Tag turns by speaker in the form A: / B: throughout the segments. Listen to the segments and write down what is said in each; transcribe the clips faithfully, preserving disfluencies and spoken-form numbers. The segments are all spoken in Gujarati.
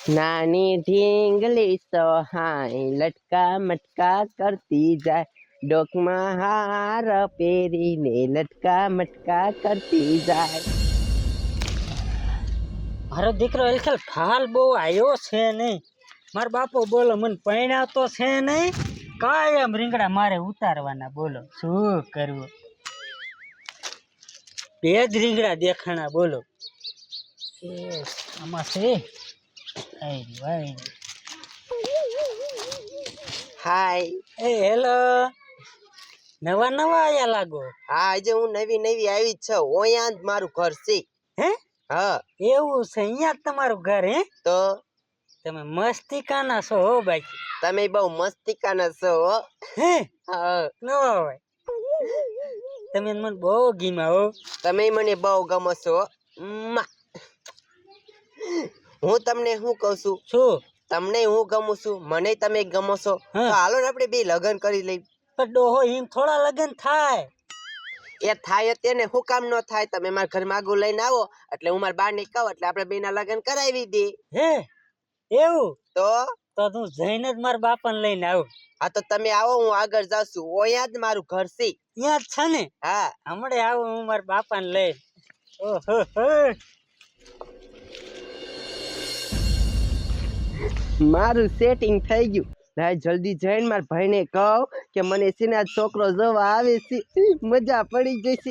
A: નાની ઢીંગલી સહાય લટકા મટકા કરતી જાય, ડોકમાં હાર પહેરીને લટકા મટકા કરતી જાય.
B: મારો દીકરો એલખેલ ફાલ બહુ આવ્યો છે નહીં. મારો બાપો બોલો મને પૈણા તો છે નહીં, કાયમ રીંગણા મારે ઉતારવાના. બોલો શું કરવું? બે જ રીંગણા દેખાણા. બોલો એ આમાં છે.
A: હાય.
B: એ હેલો, નવા નવા આયા લાગો.
A: હા, આજે હું નવી નવી આવી જ છું. ઓયા જ મારું ઘર છે.
B: હે?
A: હા.
B: એવું છે? અહીંયા જ તમારું ઘર? હે?
A: તો
B: તમે મસ્તિકાના છો હો બાકી.
A: તમે બહુ મસ્તિકાના છો હો.
B: હે?
A: હા.
B: ન હોય. તમે મને બહુ ગીમા હો.
A: તમે મને બહુ ગમો છો. મ્મા. હું તમને શું કહું છું?
B: શું?
A: તમને હું ગમું છું, મને તમે ગમો છો. તો હાલો ને આપણે બે લગ્ન કરી લઈ.
B: પણ ડોહો એમ થોડા લગ્ન થાય.
A: એ થાય તેને શું કામ ન થાય? તમે મારા ઘર માગું લઈને આવો એટલે હું મારા બાને કહું એટલે આપણે બેના લગ્ન કરાવી દે.
B: હે એવું?
A: તો
B: તો તું જઈને જ મારા બાપાને લઈને આવું.
A: હા તો તમે આવો, હું આગળ જાઉં છું. ઓયા જ મારું ઘર છે.
B: ત્યાં જ છે ને?
A: હા.
B: હમણાં આવું હું મારા બાપાને લઈને. ઓહો હો.
A: મારું સેટિંગ થઈ ગયું. ભાઈ જલ્દી જઈને મારા ભાઈને કહું કે મને છે ને આ છોકરો જોવા આવે છે, મજા પડી જશે.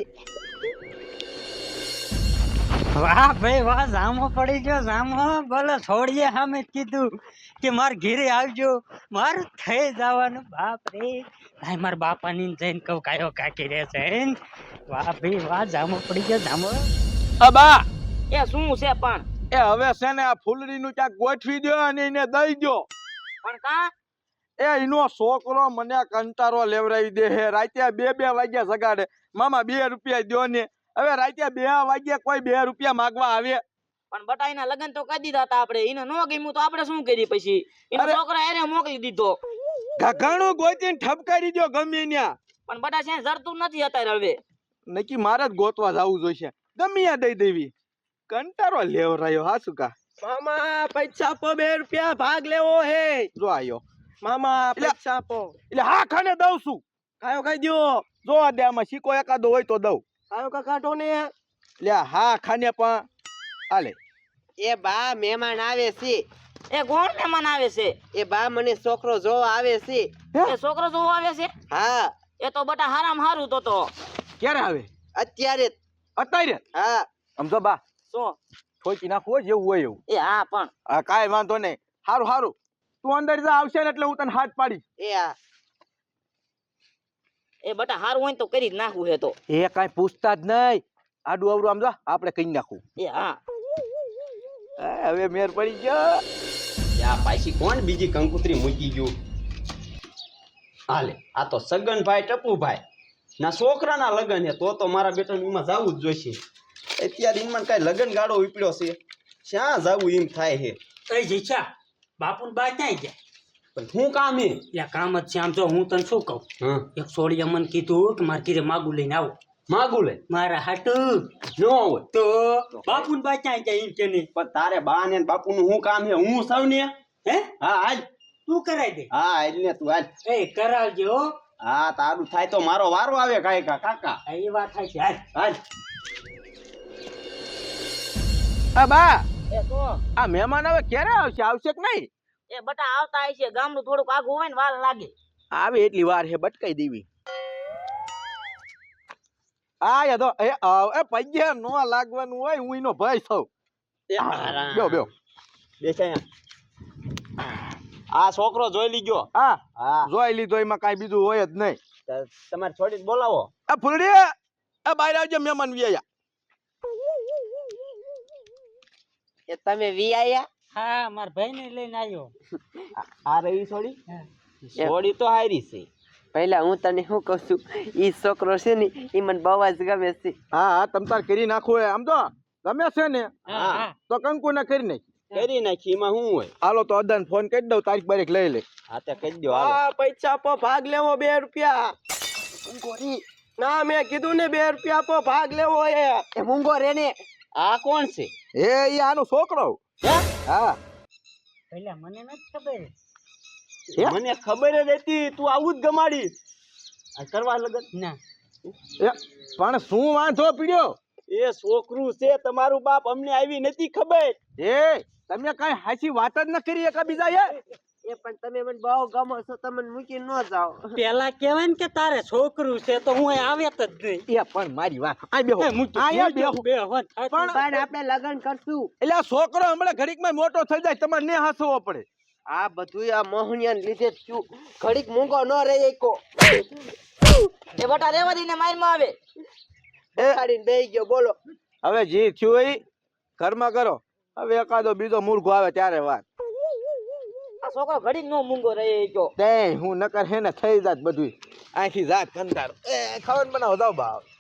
B: વાહ ભાઈ વાહ, જામો પડી ગયો જામો. બોલો છોડીએ સામે કીધું કે મારે ઘેરે આવજો, મારું થઈ જવાનું. બાપ રે ભાઈ, મારા બાપાની જઈને કહું કાયો કાકી રે છે. વાહ ભાઈ વાહ, જામો પડી ગયો જામો.
C: અબા
B: એ શું છે પણ?
C: એ હવે છે ને આ ફૂલડી નું ક્યાંક ગોઠવી દો અને એને દઈ દો.
B: પણ કા?
C: એ એનો છોકરો મને કંટારો લેવરાવી દે હે. રાતે બે બે વાગ્યા જગાડે, મામા બે રૂપિયા દો ને. હવે રાતે બે વાગ્યા કોઈ બે રૂપિયા માગવા આવે?
D: પણ બટા એના લગન તો કરી દીધા હતા આપણે. એને નો ગમ્યું તો આપણે શું કરી? પછી એનો છોકરા એને મોકલી દીધો.
C: ઘઘાણું ગોતીને ઠપકારી દો ગમે ત્યાં.
D: પણ બટા છે જરતું નથી અત્યારે. હવે
C: નક્કી મારે જ ગોતવા જવું જોઈશે. ગમે ત્યાં દઈ દેવી. કંટારો લેવરાયો. હા શું કા
A: મામા પૈસા આપો, બે રૂપિયા ભાગ લેવો હે.
C: જો આયો
A: મામા પૈસા આપો.
C: એટલે હા ખાને દઉં છું.
A: કાયો ખાઈ દ્યો.
C: જો આ દે, આમાં સિક્કો એકાદો હોય તો દઉં.
A: કાયો કા કાઢો ને.
C: લે હા ખાને પણ હાલે.
A: એ બા મહેમાન આવે છે.
D: એ કોણ મહેમાન આવે છે?
A: એ બા મને છોકરો જોવા આવે છે.
D: એ છોકરો જોવા આવે છે?
A: હા.
D: એ તો બટા હારામ હારું. તો તો
C: ક્યારે આવે?
A: અત્યારે.
C: અત્યારે?
A: હા.
C: સમજો બા,
D: શું
C: ઠોકી નાખવું જેવું હોય એવું.
D: એ હા પણ
C: હા કાંઈ વાંધો નહીં. હારું હારું, તું અંદર જા. આવશે ને એટલે હું તને હાથ પાડીશ.
A: એ હા.
D: એ બટા હારું હોય તો કરી જ નાખવું હે. તો
C: એ કાંઈ પૂછતા જ નહીં. આડું અવડું આમ જા, આપણે કહી નાખવું.
D: એ હા.
C: હવે મેર પડી ગયો.
E: આ પાછી કોણ બીજી કંકુતરી મૂકી ગયું? હાલે, આ તો સગનભાઈ ટપુભાઈ ના છોકરાના લગન હે. તો તો મારા બેટાનું એમાં જવું જ જોઈશે. અત્યારે એમાં કઈ લગન ગાળો ઉપડ્યો છે, શ્યાં જવું એમ થાય છે.
B: એ જીછા, બાપુ બા ક્યાંય ગયા?
E: પણ શું કામ હે?
B: એટલે કામ જ છે. આમ જો હું તને શું કહું,
E: હા,
B: એક સોડિયા મને કીધું કે મારે ઘરે માગું લઈને આવો.
E: માગું લે
B: મારા હાટું
E: ન હોય
B: તો બાપુ બા ક્યાંય ગયા એમ કે નહીં?
E: પણ તારે બા ને બાપુ નું શું કામ હે? હું સૌ ને.
B: હે?
E: હા હાલ.
B: તું કરાવી દે.
E: હા હાલ ને તું હાલ.
B: એ કરાવજો હો.
E: હા તારું થાય તો મારો વારો આવે. કાંઈ કા કાકા
B: હા, એ વાત થાય છે. હાલ
E: હાલ.
C: આ બા,
D: એ તો
C: આ મહેમાન હવે ક્યારે આવશે? આવશે કે નહીં?
D: એ બટા આવતા હશે. ગામડું થોડુંક આગું હોય ને વાર લાગે.
C: આવે એટલી વાર હે, બટકાઈ દેવી. આ યા તો એ આવ એ પૈયા નો લાગવાનું હોય. હું એનો ભાઈ છું. બેઓ બેઓ
E: બેસાય. આ છોકરો જોઈ લીધો.
C: હા
E: હા,
C: જોઈ લીધો. એમાં કાંઈ બીજું હોય જ નહીં.
E: તમારે છોડીને બોલાવો.
C: આ ફૂલડી, આ બહાર આવજો. મહેમાન વ્યાયા.
A: એ તમે વી આયા?
B: હા, મારા ભાઈને લઈને આવ્યો.
E: આ રહી છોડી. છોડી તો હારી છે.
A: પહેલા હું તને શું કહું છું, ઈ છોકરો છે ને ઈ મને બહુ જ ગમે છે.
C: હા હા, તમ તાર કરી નાખો. આમ તો ગમે છે ને,
B: હા હા,
C: તો કંકુ ને કરી નાખ.
E: કરી નાખી. એમાં શું હોય?
C: હાલો તો અદાન ફોન કરી દઉં. તારીખ બારીખ લઈ લે.
E: હા તે કહી દો. હાલો.
A: આ પૈસા આપો, ભાગ લેવો. બે રૂપિયા. મૂંગોરી ના, મેં કીધું ને બે રૂપિયા આપો, ભાગ લેવો. એ એ મૂંગો રે ને.
E: આ કોણ છે?
C: એ ઈ આનો છોકરો.
E: હે?
C: હા.
B: પેલા મને નથી ખબર.
C: હે?
E: મને ખબર જ હતી તું આવું જ ગમાડી આ કરવા લગન
B: ના
C: એ, પણ શું વાંધો પીડ્યો
E: એ છોકરું છે તમારું બાપ અમને આવી નથી ખબર
C: એ તમે કઈ હાચી વાત જ ન કરી એકા બીજા એ
A: એ પણ તમે મને બહુ ગમો છો, તમે મૂકીને ન જાઓ.
B: પેલા કેવાય ને કે તારે છોકરું છે તો હું અહીં આવ્યા જ નહીં.
C: એ પણ મારી વાત આ બેહો
B: એ મૂકી-
C: આયા
B: મૂકી
C: બેહો
B: બે હોત થાતું.
C: પણ-
A: પણ આપણે લગ્ન કરશું.
C: એટલે આ છોકરો હમણાં ઘડીકમાં મોટો થઈ જાય તમારે ને હાસવો પડે
A: આ બધું આ મોહનિયાને લીધે જ થયું. ઘડીક મૂંગો ન રહે એકો.
D: એ બટા રેવા દઈને માર માં આવે
A: બેહાડીને બેહી ગયો બોલો.
C: હવે જે થયું એ ઘરમાં કરો હવે એકાદો બીજો મૂર્ખો આવે ત્યારે વાત
D: આ છોકરો ઘડીક નો મૂંગો રહે ગયો
C: તે હું નકર હે ને થઈ જાત બધું આખી જાત કંટાળો એ ખાવાનું બનાવો જાવ બા